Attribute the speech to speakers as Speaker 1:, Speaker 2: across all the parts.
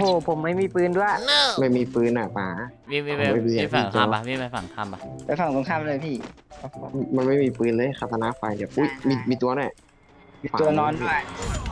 Speaker 1: โหผมไม่มีปืนด้วย
Speaker 2: ไม่มีปืนอ่ะป๋า
Speaker 3: วิ่ง
Speaker 2: ผมไม่เรียน
Speaker 3: ฝั่ง
Speaker 2: พี่
Speaker 3: ข้าม
Speaker 2: โจ๊ก
Speaker 3: ปะวิ่งไปฝั่งข้ามปะ
Speaker 4: ไปฝั่งตรงข้ามเลยพี่
Speaker 2: มันไม่มีปืนเลยคาตานาไฟเดี๋ยวอุ้ยมีตัวเนี่ย
Speaker 4: มีตัวนอนด้วย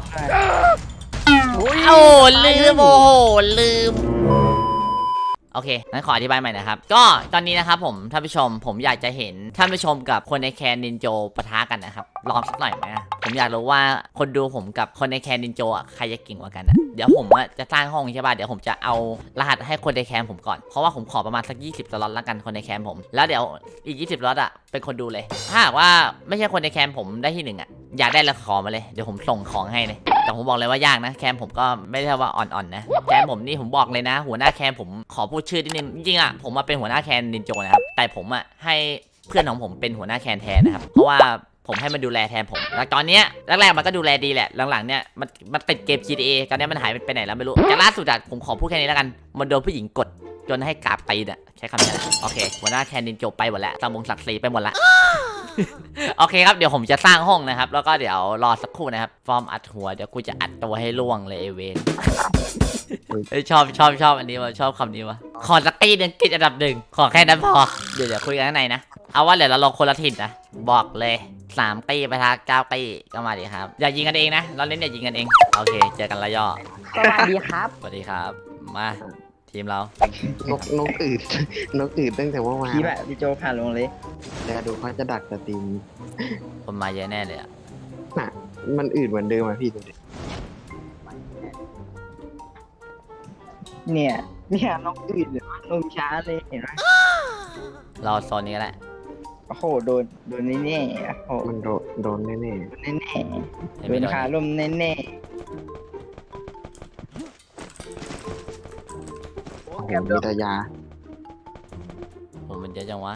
Speaker 3: โอ้ลืมโอ้โหลืมโอเคงั้นขออธิบายใหม่นะครับก็ตอนนี้นะครับผมท่านผู้ชมผมอยากจะเห็นท่านผู้ชมกับคนในแคนนินโจปะทะกันนะครับลองสักหน่อยไหมผมอยากรู้ว่าคนดูผมกับคนในแคนนินโจอ่ะใครจะเก่งกว่ากันอ่ะเดี๋ยวผมจะสร้างห้องใช่ป่ะเดี๋ยวผมจะเอารหัสให้คนในแคนผมก่อนเพราะว่าผมขอประมาณสัก20 สล็อตละกันคนในแคนผมแล้วเดี๋ยวอีก20 สล็อตอ่ะเป็นคนดูเลยถ้าหากว่าไม่ใช่คนในแคนผมได้ที่1อ่ะอยากได้แล้วขอมาเลยเดี๋ยวผมส่งของให้เลยแต่ผมบอกเลยว่ายากนะแคมผมก็ไม่ได้ว่าอ่อนๆนะแคมผมนี่ผมบอกเลยนะหัวหน้าแคมผมขอพูดชื่อนิดนึงจริงๆอ่ะผมมาเป็นหัวหน้าแคนนินโจนะครับแต่ผมอ่ะให้เพื่อนของผมเป็นหัวหน้าแคนแทนนะครับเพราะว่าผมให้มันดูแลแทนผมแล้วตอนเนี้ยแรกๆมันก็ดูแลดีแหละหลังๆเนี่ยมันติดเกม GTA ตอนนี้มันหายไปไหนแล้วไม่รู้แต่ล่าสุดอะผมขอพูดแค่นี้แล้วกันมันโดนผู้หญิงกดจนให้กราบตีนอะใช้คำนี้นะโอเคหัวหน้าแคนนินโจไปหมดแล้วตามวงศักดิ์ศรีไปหมดละ โอเคครับเดี๋ยวผมจะสร้างห้องนะครับแล้วก็เดี๋ยวรอสักครู่นะครับฟอร์มอัดหัวเดี๋ยวกูจะอัดตัวให้ล่วงเลยเอเวน ชอบอันนี้ว่ะชอบคำนี้ว่ะขอสักตีหนึ่งกิจอันดับ1ขอแค่นั้นพอเดี๋ยวคุยกันข้างในนะเอาว่าเดี๋ยวเราลงคนละถิ่นนะบอกเลย3 ตีไปทาง9 ตีก็มาดิครับอย่ายิงกันเองนะเราเล่นอย่ายิงกันเองโอเคเจอกันละย่อ
Speaker 1: สวัสดีครับ
Speaker 3: สวัสดีครับมาทีมเรา
Speaker 2: นกอืด นกอืดตั้งแต่ว่าวาน
Speaker 4: พี่แบบพี่โจผ่านลงเลย
Speaker 2: แต่ดูเขาจะดักสตรีม
Speaker 3: คนมาเยอะแน่เลยอะ
Speaker 2: น่ะมันอืดเหมือนเดิมอ่ะพี่ดูดิ
Speaker 4: เนี่ยน้องอื่นเลยลงช้าเลยเห็นไหม
Speaker 3: เราโซนนี้ก็ได้
Speaker 4: โอ้โหโดนแน่ๆโอ้โห
Speaker 2: มันโดนแน่
Speaker 4: แน่ๆโดนขาลมแน่
Speaker 2: ๆโอ้โหมีแต่ยา
Speaker 3: ผมมันเยอะจังวะ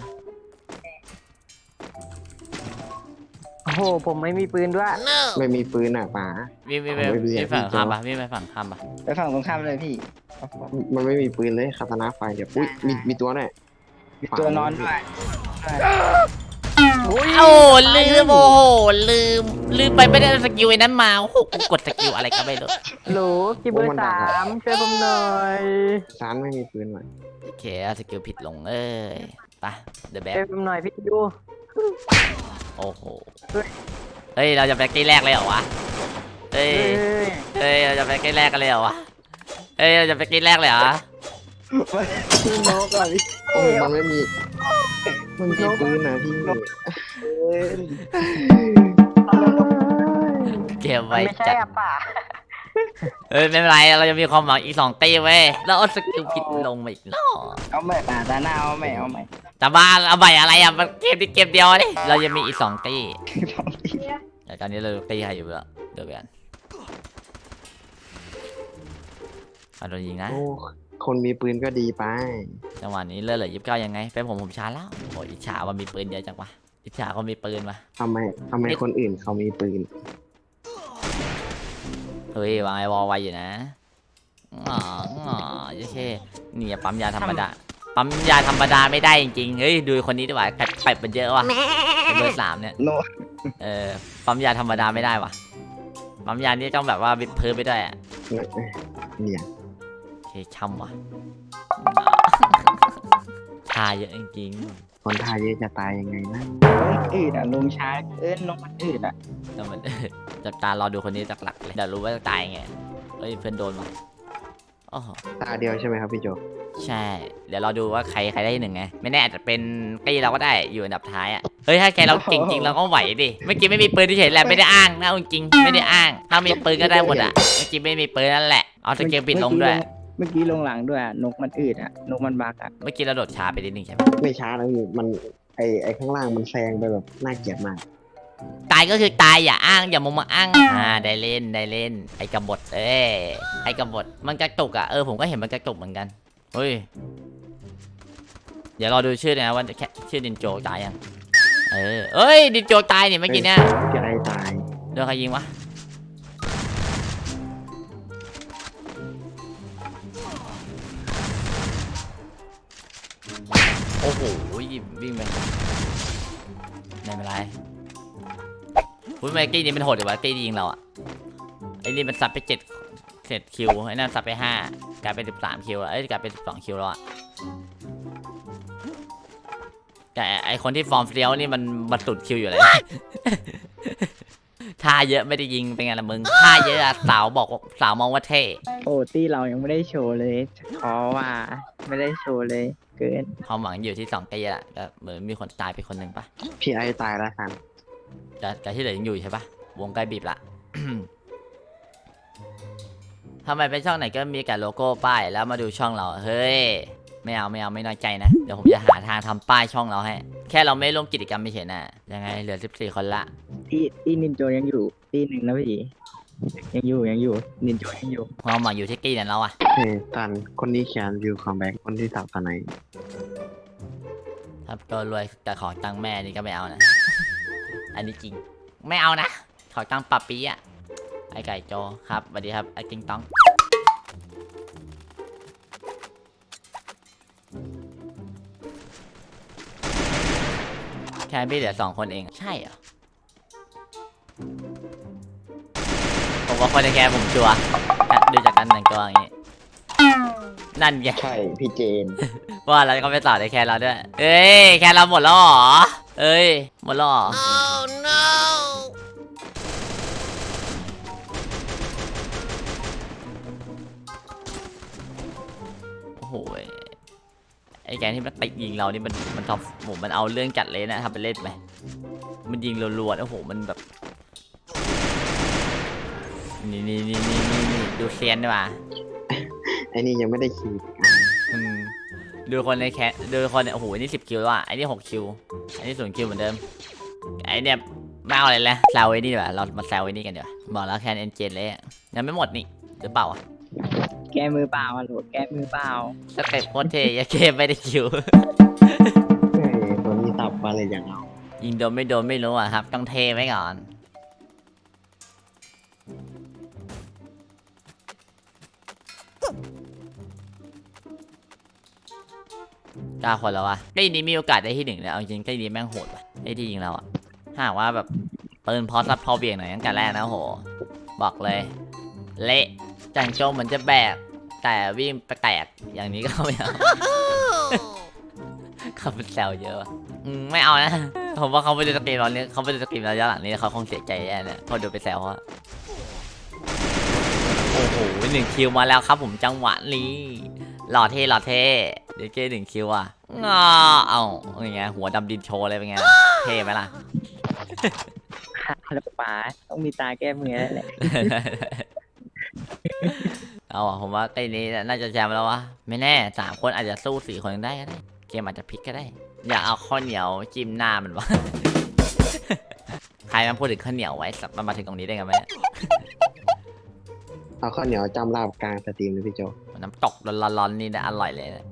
Speaker 1: โอ้โหผมไม่มีปืนด้วย
Speaker 2: ไม่มีปืนอ่ะป๋า
Speaker 3: วิ่ง
Speaker 2: ผมไม่เรียน
Speaker 3: ฝั่ง
Speaker 2: พี่โจ๊ก
Speaker 3: ข้ามปะวิ่งไปฝั่งข้ามปะ
Speaker 4: ๆไปฝั่งตรงข้ามเลยพี่โอ้โห
Speaker 2: มันไม่มีปืนเลยคาตานาไฟเดี๋ยวอุ้ยมีตัวเนี่ย
Speaker 4: มีตัวนอนด้วย
Speaker 3: โอ้ลืมโอ้โหลืมไปไม่ได้สกิลไอ้นั้นมาโอ้โหกูกดสกิลอะไรก็ไม่รู้
Speaker 1: โหลคิวเบอร์3ช่วยผมหน่อย
Speaker 2: ซานไม่มีปืนว่ะ
Speaker 3: โอเคสกิลผิดลงเอ้ยไปเดอะแบ็
Speaker 1: ช่วยผมหน่อยพี่ดู
Speaker 3: โอ้โหเฮ้ยเราจะไปกี้แรกเลยเหรอวะเฮ้ย
Speaker 1: เฮ้ย
Speaker 3: เราจะไปกี้แรกกันเลยเหรอวะเฮ้ยเราจะไปกี้แรกเลยเหรอ
Speaker 4: พี่นกอะพี่
Speaker 2: โอ้มันไม่มีปืนนะพี่
Speaker 4: เอ้ย
Speaker 3: เก็บ
Speaker 1: มัน
Speaker 3: ไว้
Speaker 1: ไม่ใช่
Speaker 3: จัด
Speaker 1: อะป่ะ
Speaker 3: เฮ้ยไม่เป็นไรเราจะมีความหวังอีก2 ตีเว้ยแล้วเอาสกิลผิดลงมาอีกรอบ
Speaker 4: เอาใหม่ป่าตาหน้าเอาใหม่
Speaker 3: แต่บ้าเอาใบอะไรอ่ะมันเกมที่เกมเดียวดิเรายังมีอีก2 ตีแต่ตอนนี้เราตีใครอยู่แล้วเดี๋ยวกันโดนยิงนะ
Speaker 2: โอ้คนมีปืนก็ดีไป
Speaker 3: จังหวะนี้เลือดเหลือ29ยังไงเป็นผมช้าแล้วโอ้ยอิจฉาว่ามีปืนเยอะจังวะอิจฉาเขามีปืนวะ
Speaker 2: ทำไมคนอื่นเขามีปืน
Speaker 3: เฮ้ยวางไอวอลไว้อยู่นะอ๋อโอเคนี่ปั๊มยาธรรมดาปั๊มยาธรรมดาไม่ได้จริงๆเฮ้ยดูคนนี้ดีกว่าเป็ดมันเยอะว่ะเบอร์3เนี่ย
Speaker 4: โน
Speaker 3: ปั๊มยาธรรมดาไม่ได้ว่ะปั๊มยานี่ต้องแบบว่าวิดพื้นไปด้วยอ่ะ
Speaker 2: เนี่ย
Speaker 3: โอเคช่ำว่ะทาเยอะจริง
Speaker 2: คนไทยเยอะจะตายยังไงนะ
Speaker 4: น้องอื่นอะลงช้าน้องมันอื่นอะ
Speaker 3: ๆแต่มัน จับตารอดูคนนี้จากหลักเลยเดี๋ยวรู้ว่าจะตายไงเฮ้ยเพื่อนโดนว่ะโอ้โห
Speaker 2: ตาเดียวใช่ไหมครับพี่โจ
Speaker 3: ใช่ เดี๋ยวเราดูว่าใครได้ที่ 1ไงไม่แน่อาจจะเป็นตีเราก็ได้อยู่อันดับท้ายอ่ะเฮ้ยถ้าแกเราเก่งจริงเราก็ไหวดิเมื่อกี้ไม่มีปืนที่เฉยแหละไม่ได้อ้างนะเอาจริงไม่ได้อ้างถ้ามีปืนก็ได้หมดอ่ะเมื่อกี้ไม่มีปืนนั่นแหละเอาสเกลปิดลงด้วย
Speaker 4: เมื่อกี้ลงหลังด้วยอะนกมันอื่นอะนกมันบักอะ
Speaker 3: เมื่อกี้เราโดดช้าไปนิดนึงใช่ไหม
Speaker 2: ไม่ช้าแล้วพี่มันไอข้างล่างมันแซงไปแบบน่าเกลียดมาก
Speaker 3: ตายก็คือตายอย่าอ้างอย่ามุมมาอ้างได้เล่นไอ้กบฏไอ้กบฏมันกระตุกอ่ะผมก็เห็นมันกระตุกเหมือนกันเฮ้ยเดี๋ยวรอดูชื่อนะว่าชื่อดินโจตายยังเอ้ยดินโจตายนี่เมื่อกี้เนี่ย
Speaker 2: จะได้ตาย
Speaker 3: โดนใครยิงวะโอ้โหวิ่งไปไม่เป็นไรอุ้ยเมื่อกี้นี่มันโหดดีวะกี้ยิงเราอ่ะไอ้นี่มันซัดไป7 11คิวไอ้นั่นซับไป5กลายเป็น13คิวเอ้ยกลายเป็น12คิวแล้วอะแต่ไอคนที่ฟอร์มเฟี้ยวนี่มันสุดคิวอยู่เลย ท่าเยอะไม่ได้ยิงเป็นไงล่ะมึงท่าเยอะอะสาวบอกว่าสาวมองว่าเท่
Speaker 4: โอ้ตี้เรายังไม่ได้โชว์เลยท้อว่าไม่ได้โชว์เลยเกิน
Speaker 3: ความหวังอยู่ที่2 ตีแหละก็เหมือนมีคนตายไปคนหนึ่งปะ
Speaker 2: พี่ไอ้ตายแล้วกัน
Speaker 3: แต่ที่เหลือยังอยู่ใช่ปะวงใกล้บีบละ ทำไมเป็นช่องไหนก็มีแต่โลโก้ป้ายแล้วมาดูช่องเราเฮ้ยไม่เอาไม่น้อยใจนะเดี๋ยวผมจะหาทางทำป้ายช่องเราให้แค่เราไม่ร่วมกิจกรรมไม่เฉยน่ะยังไงเหลือ14 คนละ
Speaker 4: ตี้นินโจยังอยู่ตี้หนึ่งนะพี่ยังอยู่นินโจยังอยู่
Speaker 3: ความหวังอยู่ที่กี้นั่นเราอะ
Speaker 2: เฮ้ยตันคนนี้เขียนวิวคอมแบ็กคนที่สับตอนไหน
Speaker 3: ครับก็รวยแต่ขอตังค์แม่นี่ก็ไม่เอานะ อันนี้จริงไม่เอานะขอตังค์ปะปีอะไอไก่โจครับสวัสดีครับไอติงตองแค่พี่เหลือ2 คนเองใช่เหรอผมว่าคนในแค่ผมชัวร์ดูจากการแต่งตัวอย่างงี้นั่นไง
Speaker 2: ใช่พี่เจน
Speaker 3: ว่าเราก็ไปต่อในแคนเราด้วยเอ้ยแคนเราหมดแล้วเหรอเอ้ยหมดแล้วเหรอ โอ้โหไอ้แกที่มันติดยิงเรานี่มันทำผมมันเอาเรื่องจัดเลยนะทำไปเล่นไหมมันยิงรัวๆโอ้โหมันแบบนี่ดูเซียนดีกว่า
Speaker 2: ไอ้นี่ยังไม่ได้คิว
Speaker 3: อืมดูคนในแคสดูคนโอ้โหนี่10 คิวแล้วอ่ะไอ้นี่6 คิวไอ้นี่0 คิวเหมือนเดิมไอ้เนี่ยไม่เอาอะไรเลยแซวไอ้นี่ดีกว่าเรามาแซวไอ้นี่กันดีกว่าบอกแล้วแคนเอ็นเจนเลยอะยังไม่หมดนี่หรือเปล่าอ่ะ
Speaker 4: แก้มือเปล่าโหลดแก้มือเปล่า
Speaker 3: สเต็ปโคตรเทยาเกมไม่ได้คิว
Speaker 2: เฮ้ยคนนี้สับมาเลยอย่างเอา
Speaker 3: ยิงโดนไม่รู้อ่ะครับต้องเทไว้ก่อน9 คนแล้ววะใกล้นี้มีโอกาสได้ที่1เลยเอาจริงใกล้นี้แม่งโหดว่ะไอ้ที่ยิงเราอ่ะถ้าหากว่าแบบปืนพอซับพอเบี่ยงหน่อยตั้งแต่แรกนะโหบอกเลยเละจังโจมเหมือนจะแบกแต่วิ่งไปแตกอย่างนี้ก็ไม่เอา เขาเป็นแซวเยอะว่ะไม่เอานะผมว่าเขาไปดูสตรีมเราเนี่ยเขาไปดูสตรีมเราย้อนหลังนี้เขาคงเสียใจแน่เนี่ยพอดูไปแซวว่าโอ้โห1 คิวมาแล้วครับผมจังหวะนี้หล่อเท่เดี๋ยวเก้1 คิวอ่ะเอาอย่างเงี้ยหัวดำดินโชว์เลยเป็นไงเท่ไหมล่ะ
Speaker 4: แล้วป๋าต้องมีตาแก้มือแล้วแหละ
Speaker 3: เอาอ่ะผมว่าไอ้นี้น่าจะแชมป์แล้ววะไม่แน่3 คนอาจจะสู้4 คนได้ก็ได้เกมอาจจะพลิกก็ได้อยากเอาข้าวเหนียวจิ้มหน้ามันวะ ใครมาพูดถึงข้าวเหนียวไว้มันมาถึงตรงนี้ได้ไงไหมเนี่ย
Speaker 2: เอาข้าวเหนียวจำลาบกลางสตรีมเลยพี่โจ
Speaker 3: น้ำตกร้อนๆนี่นะอร่อยเลยนะ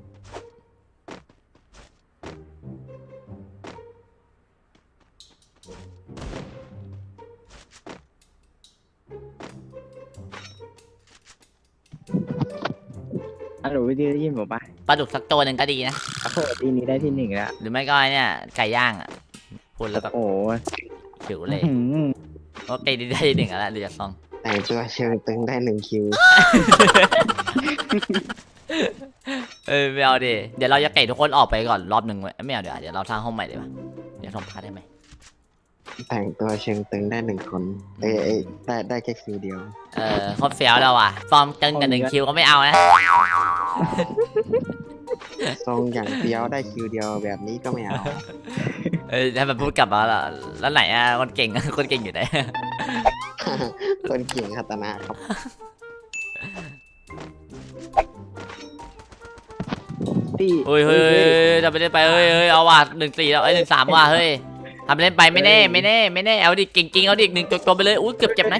Speaker 4: ฮัลโหลวิธีได้ยินผมปะ
Speaker 3: ปลาดุกสักตัวหนึ่งก็ดีนะ
Speaker 4: โอ้โหทีนี้ได้ที่ 1แล้ว
Speaker 3: หรือไม่ก็ไอ้เนี่ยไก่ย่างอ่ะพูดแล้วแบบ
Speaker 4: โอ้โห
Speaker 3: หิวเลย
Speaker 4: อื้อหือ
Speaker 3: โอเคได้ที่ 1แล้วดูจากซอง
Speaker 2: แต่งตัวเชิงตึงได้1 คิว
Speaker 3: ไม่เอาดิเดี๋ยวเราจะเตะทุกคนออกไปก่อนรอบหนึ่งไว้ไม่เอาเดี๋ยวเราสร้างห้องใหม่ดีกว่าเดี๋ยวทำพาร์ทได้ไหม
Speaker 2: แต่งตัวเชิงตึงได้1 คนได้แค่คิวเดียว
Speaker 3: โคตรเฟี้ยวแล้วว่ะฟอร์มตึงกับ1 คิวก็ไม่เอานะ
Speaker 2: ทรงอย่างเดียวได้คิวเดียวแบบนี้ก็ไม่เอา
Speaker 3: ให้มันพูดกลับมาแล้วไหนอ่ะคนเก่ง คนเก่งอยู่ไหน
Speaker 2: คนเก่งคาตานะครับ
Speaker 4: ตี้
Speaker 3: เฮ้ยทำไปเล่นไปเฮ้ยเอาว่ะ1-4แล้ว1-3ว่ะเฮ้ยทำไปเล่นไปไม่แน่เอาดิเก่งจริงเอาดิ1 ตัวไปเลยอุ้ยเกือบเจ็บนะ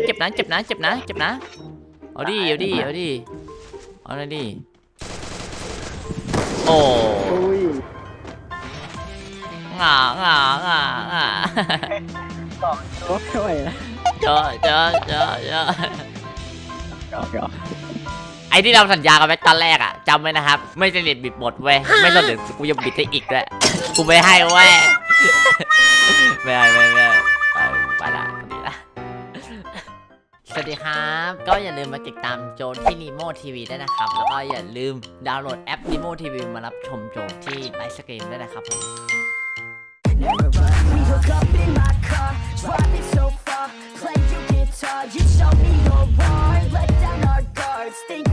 Speaker 3: เอาดิเอาเลยดิโอ้
Speaker 4: อุ้ย
Speaker 3: ง่า
Speaker 4: บอกโอ้ไม่ไหวแล้ว
Speaker 3: เจอ
Speaker 4: หยอก
Speaker 3: ไอ้ที่เราสัญญากันไว้ตอนแรกอ่ะจำไว้นะครับไม่สนิทบิดบทเว้ยไม่สนิทกูยังบิดได้อีกด้วยกูไม่ให้เว้ย ไม่ไปละดีละสวัสดีครับ ก็อย่าลืมมาติดตามโจที่ Nemo TV ด้วยนะครับ แล้วก็อย่าลืมดาวน์โหลดแอป Nemo TV มารับชมโจที่ไลฟ์สตรีมด้วยนะครับผม
Speaker 5: We hook up in my car, driving so far. Play your guitar, you show me your heart. Let down our guards, think